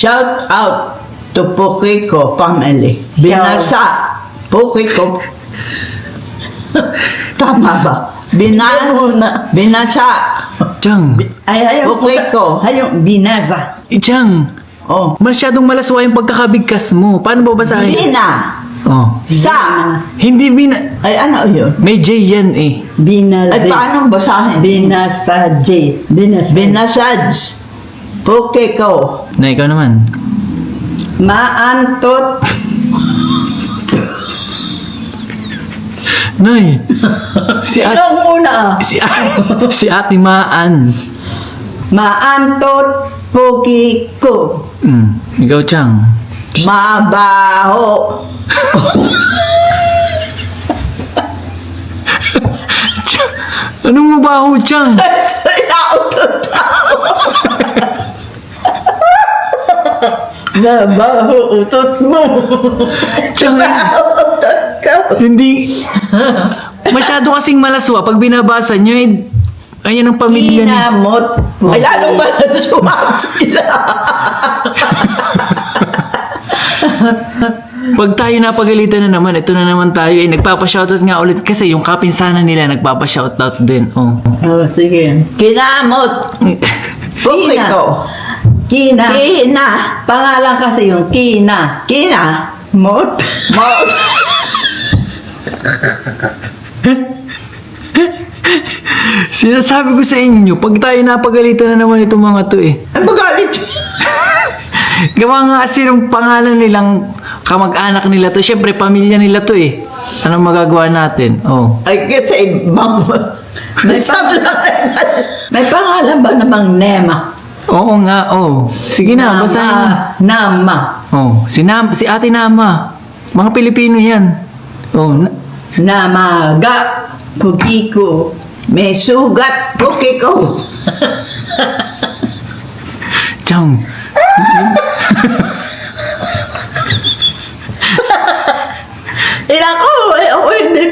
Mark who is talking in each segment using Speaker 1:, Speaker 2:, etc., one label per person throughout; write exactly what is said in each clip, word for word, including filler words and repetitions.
Speaker 1: Shout out to Pukiko family. Binasa. Pukiko. Tama ba? Bina, binasa.
Speaker 2: Chang,
Speaker 3: Ay, ayaw
Speaker 1: Okay ko.
Speaker 3: Ayaw, binaza.
Speaker 2: eh, Chang,
Speaker 1: Oh.
Speaker 2: masyadong malaswa yung pagkakabigkas mo. Paano ba basahin?
Speaker 1: Bina.
Speaker 2: Oh.
Speaker 1: Sa.
Speaker 2: Hindi bina...
Speaker 1: Ay, ano yun?
Speaker 2: May J yan eh.
Speaker 3: Binaza.
Speaker 1: Ay, paano basahin?
Speaker 3: Binasa J. Binasa.
Speaker 1: Binasaj. Pukiko.
Speaker 2: Na ikaw naman.
Speaker 3: Maantot.
Speaker 2: Nay, si at,
Speaker 3: Ang una.
Speaker 2: si, si Ate Maan.
Speaker 3: Maantot. Pukiko.
Speaker 2: Mm, ikaw, Chang.
Speaker 1: Mabaho.
Speaker 2: Anong mabaho, Chang?
Speaker 3: Nabaho utot mo.
Speaker 2: Chang, hindi... Masyado kasing malaswa. Pag binabasa nyo, eh, ayan ang pamilya ni...
Speaker 3: Kinamot.
Speaker 1: Ay, lalong ba na sumama sila?
Speaker 2: Pag tayo napagalitan na naman, ito na naman tayo. Eh, nagpapa-shoutout nga ulit kasi yung kapinsanan nila nagpapa-shoutout din. Oh.
Speaker 3: Oh, sige.
Speaker 1: Kinamot. Pukiko.
Speaker 3: Kina.
Speaker 1: Kina.
Speaker 3: Pangalan kasi yung Kina.
Speaker 1: Kina.
Speaker 3: Mot.
Speaker 1: Mot.
Speaker 2: Sinasabi ko sa inyo, pag tayo napagalitan na naman itong mga to eh.
Speaker 1: Ay, magalit.
Speaker 2: Gawa nga kasi ng pangalan nilang kamag-anak nila to. Siyempre, pamilya nila to eh. Anong magagawa natin? Oh.
Speaker 1: Ay, kasi ibang... May sablang.
Speaker 3: May pangalan ba namang Nema?
Speaker 2: Oo nga, oh. Sige na,
Speaker 3: Nama.
Speaker 2: basahin mo.
Speaker 3: Nama.
Speaker 2: Oh, si, Nam, si Ate Nama. Mga Pilipino yan. Oh, na-
Speaker 3: Namaga. Pukiko.
Speaker 1: May sugat. Pukiko.
Speaker 2: Chang.
Speaker 3: Ilang ko. Eh, oh, hindi.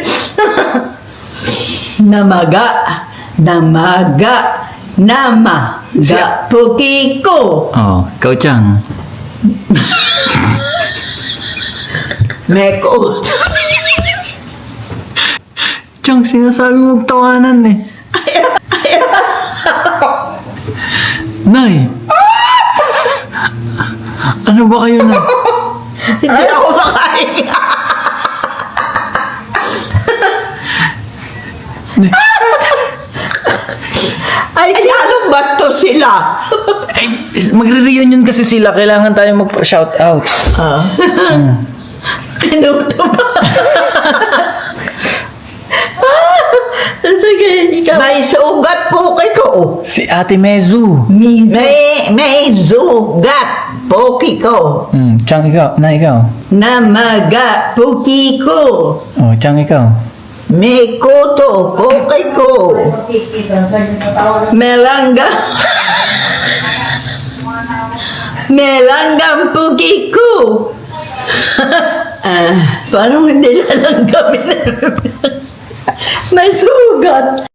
Speaker 3: Namaga. Namaga. Nama. Ga. Pukiko.
Speaker 2: Oh, ikaw, Chang.
Speaker 1: May coat.
Speaker 2: Chang, sinasabi mo tawanan eh. Nay! Ano ba kayo na?
Speaker 1: Hindi ako makahinga. Ay, lalong bastos sila.
Speaker 2: Ay, magre-reunion kasi sila. Kailangan tayo mag-shout out.
Speaker 1: Ah.
Speaker 3: Pinuto ba? Sige, ikaw.
Speaker 1: May sugat Pukiko.
Speaker 2: Si Ate Mezu.
Speaker 3: Mizo.
Speaker 1: May, may sugat Pukiko.
Speaker 2: Hmm, Chang, ikaw. Na, ikaw.
Speaker 3: Namaga. Pukiko.
Speaker 2: Oh, Chang, ikaw.
Speaker 1: May kuto Pukiko.
Speaker 3: Melangga. Melanggang Pukiko. Ah, parang hindi lalanggamin. May sugat.